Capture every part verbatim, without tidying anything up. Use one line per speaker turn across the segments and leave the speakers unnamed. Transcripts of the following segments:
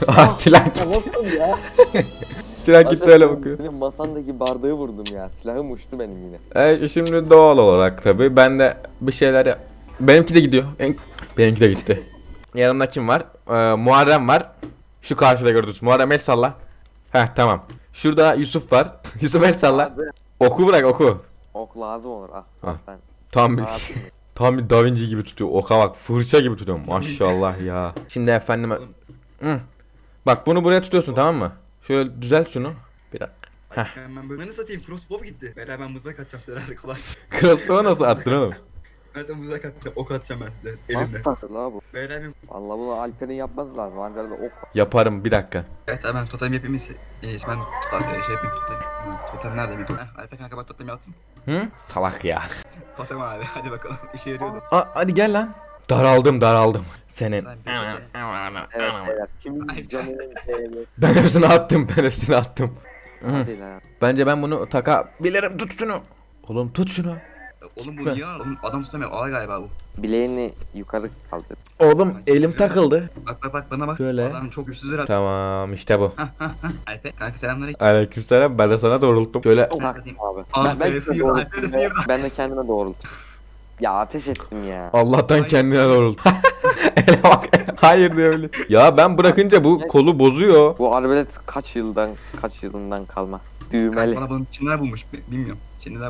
Ah silah.
Ya nasıl ya?
Silah gitti öyle bakıyor.
Benim masandaki bardağı vurdum ya. Silahım uçtu benim yine.
Evet şimdi doğal olarak tabi ben de bir şeyler yap- benimki de gidiyor. En- Benimki de gitti. Yanımda kim var? Ee, Muharrem var. Şu karşıda gördünüz. Muharrem el salla. Heh tamam. Şurada Yusuf var. Yusuf el salla.
Abi,
Oku bırak oku.
ok lazım olur. Ah,
Ah.
sen.
Tam bir
Rahat.
tam bir Da Vinci gibi tutuyor. Oka bak fırça gibi tutuyor. Maşallah ya. Şimdi efendim. Hı. Bak bunu buraya tutuyorsun tamam mı? Şöyle düzelt şunu. Bir dakika. Heh.
Ben, ben böyle ne satayım, crossbow gitti. Beyler ben mızrak atacağım size herhalde kolay.
Crossbow'u nasıl attın oğlum?
Ben de mızrak atacağım, ok atacağım ben size elimle.
Nasıl takır la bu?
Beyler benim...
Valla bunu Alper'in yapması lazım. Alper'de ok var.
Yaparım bir dakika.
Evet abi ben totem yapayım ise... En iyisi ben tutar, şey yapayım totem. Totem nerede benim? Heh, Alper kanka bak totem yapsın.
Hı? Salak ya.
Totem abi hadi bakalım işe yarıyordu.
Aa, hadi gel lan. Daraldım daraldım. Senin.
Lan bir gece-
Evet beyler. Kim
Ay,
canının değerli?
Ben hepsini attım ben hepsini attım. Hı.
Hadi lan.
Bence ben bunu takabilirim. Tut şunu. Oğlum tut şunu.
Oğlum bu niye ağır? Oğlum adam tutamıyor ağır galiba bu.
Bileğini yukarı kaldır.
Oğlum elim takıldı.
Bak bak bak bana bak.
Şöyle.
Adam çok güçsüz herhalde.
Tamam işte bu.
Alper kanka selamünaleyküm.
Aleykümselam ben de sana doğrulttum. Şöyle
Tak abi.
Ah
Ben, ben,
be,
de
sıyırdı,
doğrulttum
Alper'i
ya.
sıyırdı.
Ben de kendime doğrulttum. Ya ateş ettim ya.
Allah'tan
Ay.
kendine doğrulttu. Ele bak. Hayır diyor öyle. Ya ben bırakınca bu kolu bozuyor.
Bu arbelet kaç yıldan kaç yılından kalma. Düğmeli.
Kanka bana bunun Çinliler bulmuş bi- bilmiyorum. Çinliler bu-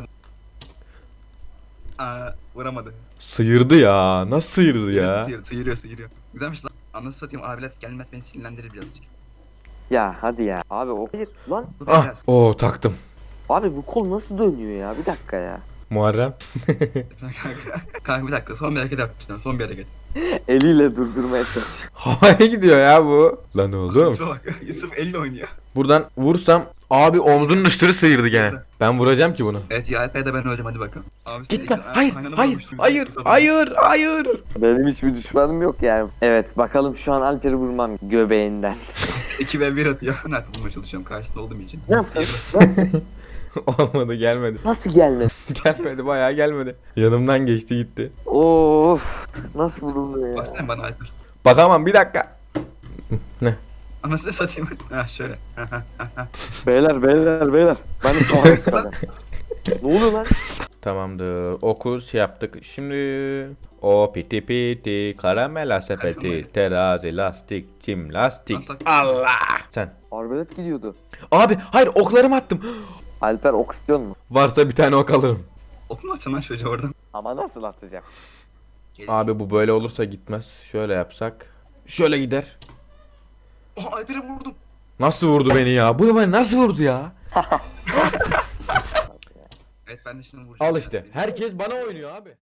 Aa vuramadı.
Sıyırdı ya. Nasıl sıyırdı ya?
Sıyırıyor sıyırıyor sıyırıyor. Güzelmiş lan. Anasını satayım abilet gelmez beni sinirlendirir birazcık.
Ya hadi ya. Abi o hayır lan.
Dur
Ah,
biraz.
o taktım.
Abi bu kol nasıl dönüyor ya? Bir dakika ya.
Muharrem.
Kanka, kanka bir dakika son bir hareket yapacağım son bir hareket.
Eliyle durdurmaya çalış.
Havaya gidiyor ya bu. Lan oğlum.
Yusuf'a bak Yusuf elle oynuyor.
Buradan vursam abi omzunun üstünü sıyırdı gene. Ben vuracağım ki bunu.
Evet ya Alper'de ben öleceğim hadi bakalım. Abi sen
Git lan.
ilk-
Hayır,
kaynana
hayır,
vurmuştun bize,
hayır,
Yusuf'a.
hayır, hayır.
Benim hiçbir düşmanım yok yani. Evet bakalım şu an Alper'i vurmam göbeğinden.
iki ve bir atıyor. Nerede bulmaya çalışıyorum karşısında olduğum için.
Nasıl?
Olmadı gelmedi.
Nasıl gelmedi?
Gelmedi bayağı gelmedi. Yanımdan geçti gitti.
Of. Nasıl vuruldu ya?
Baksana bana Alper.
Bakamam bir dakika. Ne?
Anasını satayım. Ha şöyle.
Beyler beyler beyler. Ben de soğan istedim. Ne oluyor lan?
Tamamdır. Oku şey yaptık. Şimdi o piti piti karamela sepeti terazi lastik çim lastik. Allah. Sen.
Arbelet gidiyordu.
Abi hayır oklarımı attım.
Alper ok istiyor mu?
Varsa bir tane ok alırım.
Okuma açın lan çocuğu oradan.
Ama nasıl atacak?
Abi bu böyle olursa gitmez. Şöyle yapsak. Şöyle gider.
Oh Alper'e vurdum.
Nasıl vurdu beni ya? Bu beni nasıl vurdu ya?
Evet ben de şimdi vuracağım.
Al işte. Herkes bana oynuyor abi.